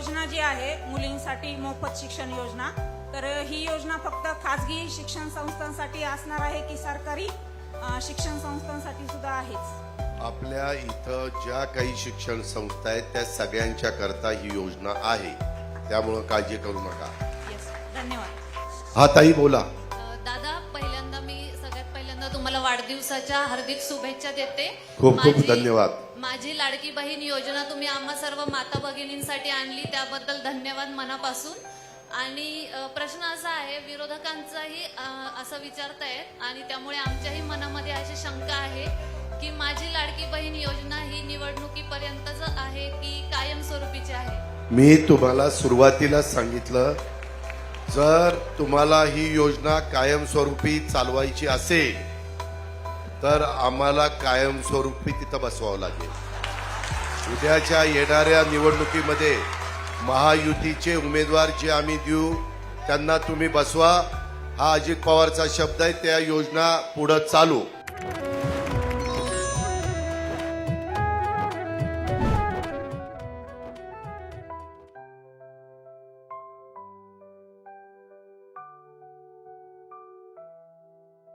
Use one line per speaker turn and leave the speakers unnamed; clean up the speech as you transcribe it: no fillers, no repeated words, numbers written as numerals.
योजना जी आहे मुलींसाठी मोफत शिक्षण योजना, तर ही योजना फक्त खाजगी शिक्षण संस्थांसाठी असणार आहे की सरकारी शिक्षण संस्थांसाठी सुद्धा आहेच?
आपल्या इथं ज्या काही शिक्षण संस्था आहेत त्या सगळ्यांच्या करता ही योजना आहे, त्यामुळे काळजी करू नका.
येस, धन्यवाद.
हा ताई बोला.
दादा, सगळ्यात पहिल्यांदा तुम्हाला वाढदिवसाच्या हार्दिक शुभेच्छा देते.
खूप खूप धन्यवाद.
माझी लाडकी बहीण योजना तुम्ही आम्हा सर्व माता भगिनींसाठी आणली, त्याबद्दल धन्यवाद मनापासून. आणि प्रश्न असा आहे, विरोधकांचाही असं विचारतायत आणि त्यामुळे आमच्याही मनामध्ये अशी शंका आहे की माझी लाडकी बहीण योजना ही निवडणुकीपर्यंतच आहे की कायमस्वरूपीची आहे?
मी तुम्हाला सुरुवातीला सांगितलं, जर तुम्हाला ही योजना कायमस्वरूपी चालवायची असेल तर आम्हाला कायमस्वरूपी तिथं बसवावं लागेल. उद्याच्या येणाऱ्या निवडणुकीमध्ये महायुतीचे उमेदवार जे आम्ही देऊ त्यांना तुम्ही बसवा, हा अजित पवारचा शब्द आहे. त्या योजना पुढे चालू.